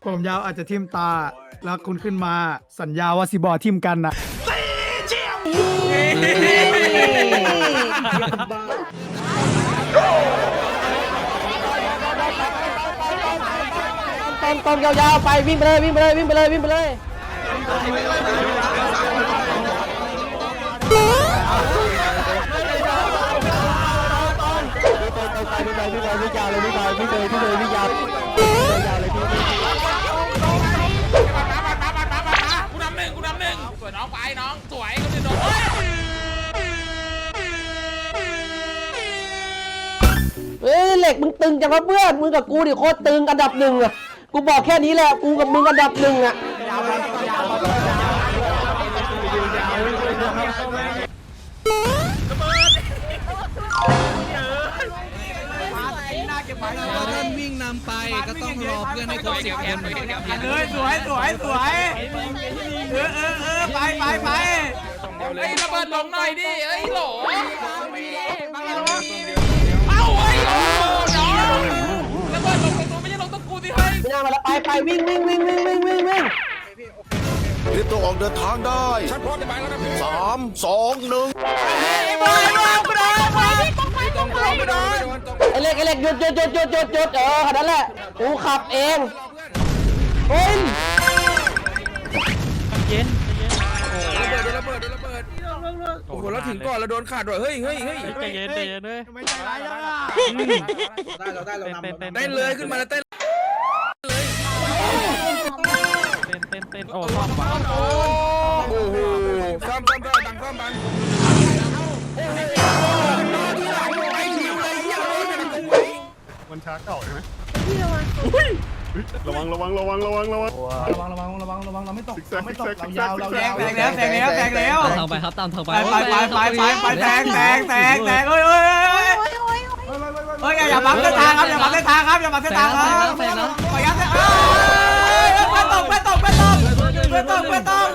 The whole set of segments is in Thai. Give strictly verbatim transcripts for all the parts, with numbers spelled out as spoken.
ผมยาวอาจจะทิ่มตา แล้วคุณขึ้นมาสัญญาว่าสิบอทิ่มกันนะต้นต้นยาวๆไปวิ่งไปเลยวิ่งไปเลยวิ่งไปเลยวิ่งไปเลยพี่ไปพี่ไปพี่ยาวเลยพี่ไปพี่เลยพี่เลยพี่ยาวยาวเลยพี่กูนำหนึ่งกูนำหนึ่งสวยน้องไปน้องสวยก็จะโดนเฮ้ยเหล็กมึงตึงจังวะเพื่อนมึงกับกูดิโคตรตึงอันดับหนึ่งอะกูบอกแค่นี้แหละกูกับมึงอันดับหนึ่งอะท่านวิ่งนำไปก็ต้องรอเพื่อนให้ครบสิบคนเลยสวยสวยสวยเออเออเออไปไปไปไอ้ระเบิดลงหน่อยดิไอ้หลอเอ้าไอ้โอ้น้องระเบิดลงตรงไม่ใช่ลงตรงกูสิเฮ้ยไม่น่ามาแล้วไปไปวิ่งวิ่งวิ่งวิ่งวิ่งวิ่งวิ่งรีบตัวออกเดินทางได้สามสองหนึ่งไอ้เล็กไอ้เล็กหยุดหยุดหยุดหยุดหยุดหยุดเออขนาดนั้นแหละกูขับเองเฮ้ยเย็นระเบิดระเบิดระเบิดโอ้โหเราถึงก่อนเราโดนขาดด้วยเฮ้ยเฮ้ยเฮ้ยใจเย็นใจเย็นเลยไม่ใจร้ายอ่ะได้เราได้เรานำได้เลยขึ้นมาแล้วเต้นเต้นเต้นเต้นโอ้ซ้อมวะโอ้โหซ้อมซ้อมซ้อมดังซ้อมบังมันช้าเก่าใช่ไหมระวังระวังระวังระวังระวังระวังระวังระวังระวังเราไม่ตกเราไม่ตกเรายาวเรายาวแตกแล้วแตกแล้วแตกแล้วทางไปครับตามทางไปไปไปไปไปไปแตกแตกแตกแตกเฮ้ยเฮ้ยเฮ้ยเฮ้ยอย่าบังเส้นทางครับอย่าบังเส้นทางครับอย่าบังเส้นทางครับขอยัดเส้นทางเพื่อนตกเพื่อนตกเพื่อนตกเพื่อนตกเพื่อนตก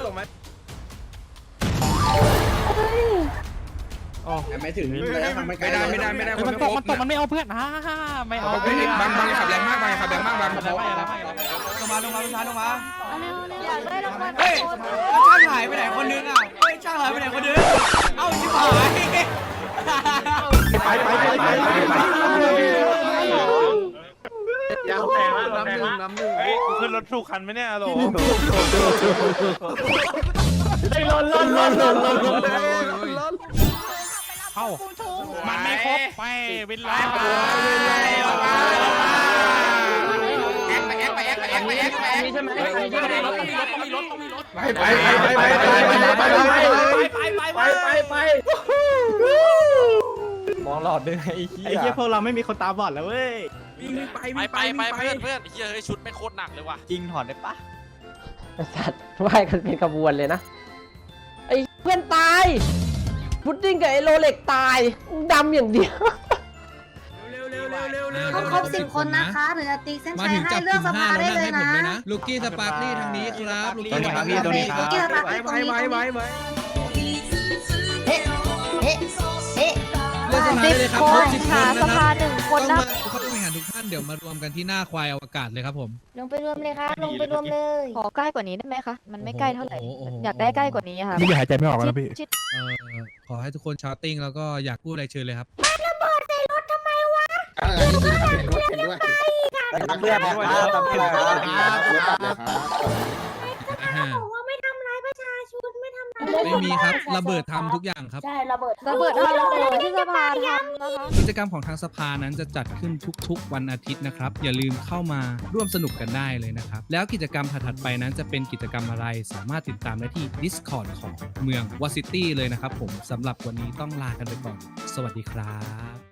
ไม่ถึงไม่ได้ไม่ได้ไม่ได้ไม่ได้มันตกมันตกมันไม่เอาเพื่อนฮ่าฮ่าไม่เอาเพื่อนบางบางขับแรงมากบางขับแรงมากบางขับแรงมากลงมาลงมาลงมาลงมาเฮ้ยช่างหายไปไหนคนนึงอ่ะเฮ้ยช่างหายไปไหนคนนึงเอ้าชิบหายไปไปไปไปไปยาวแตกแล้วน้ำหนึ่งน้ำหนึ่งเฮ้ยขึ้นรถถูกคันไหมเนี่ยโหลไอ้ล้นล้นล้นล้นล้นล้นเอ้ามันไม่ครบไปวินไลน์ไปแอกไปแอกไปแอกไปแอกไปแอกไปแอกใช่ไหมมีรถต้องมีรถต้องมีรถต้องมีรถไปไปไปไปไปไปไปไปไปไปมองหลอดด้วยไอ้เหี้ยไอ้เหี้ยพวกเราไม่มีคนตาบอดแล้วเว้ยไปไปไปเพื่อนเพื่อนเฮ้ยชุดไม่โคตรหนักเลยว่ะจริงถอดได้ปะสัตว์ไหว้กันเป็นขบวนเลยนะไอ้เพื่อนตายพุดดิ้งกับไอโรเล็กตายดำอย่างเดียวเขาครบสิบคนนะคะหรือจะตีเส้นชัยให้เลือกสภาได้เลยนะลูกี้สปาร์คลี่ทางนี้ครับลูกี้สปาร์คลี่ตรงนี้ลูกี้สปาร์คลี่ตรงนี้ไว้ไว้ไว้เฮ้เฮ้เฮ้เลือกสภาได้เลยครับครบสิบคนนะครับต้องมาเข้าไปหาทุกท่านเดี๋ยวมารวมกันที่หน้าควายอวกาศเลยครับผมลงไปรวมเลยครับลงไปรวมเลยขอใกล้กว่านี้ได้ไหมคะมันไม่ใกล้เท่าไหร่อยากได้ใกล้กว่านี้ค่ะนี่หายใจไม่ออกแล้วพี่เอ่อขอให้ทุกคนชาร์ติ้งแล้วก็อยากพูดอะไรเชิญเลยครับระเบิดใส่รถทำไมวะเห็นด้วยเพื่อนด้วยทำเพื่อนบอกว่าไม่ทำร้ายประชาชนไม่ทำร้ายไม่มีครับระเบิดทำทุกอย่างครับใช่ระเบิดระเบิดระเบิดที่สภาทำนะคะกิจกรรมของทางสภานั้นจะจัดขึ้นทุกๆวันอาทิตย์นะครับอย่าลืมเข้ามาร่วมสนุกกันได้เลยนะครับแล้วกิจกรรมถัดๆไปนั้นจะเป็นกิจกรรมอะไรสามารถติดตามได้ที่ Discord ของเมืองวอซิตี้เลยนะครับผมสำหรับวันนี้ต้องลากันไปก่อนสวัสดีครับ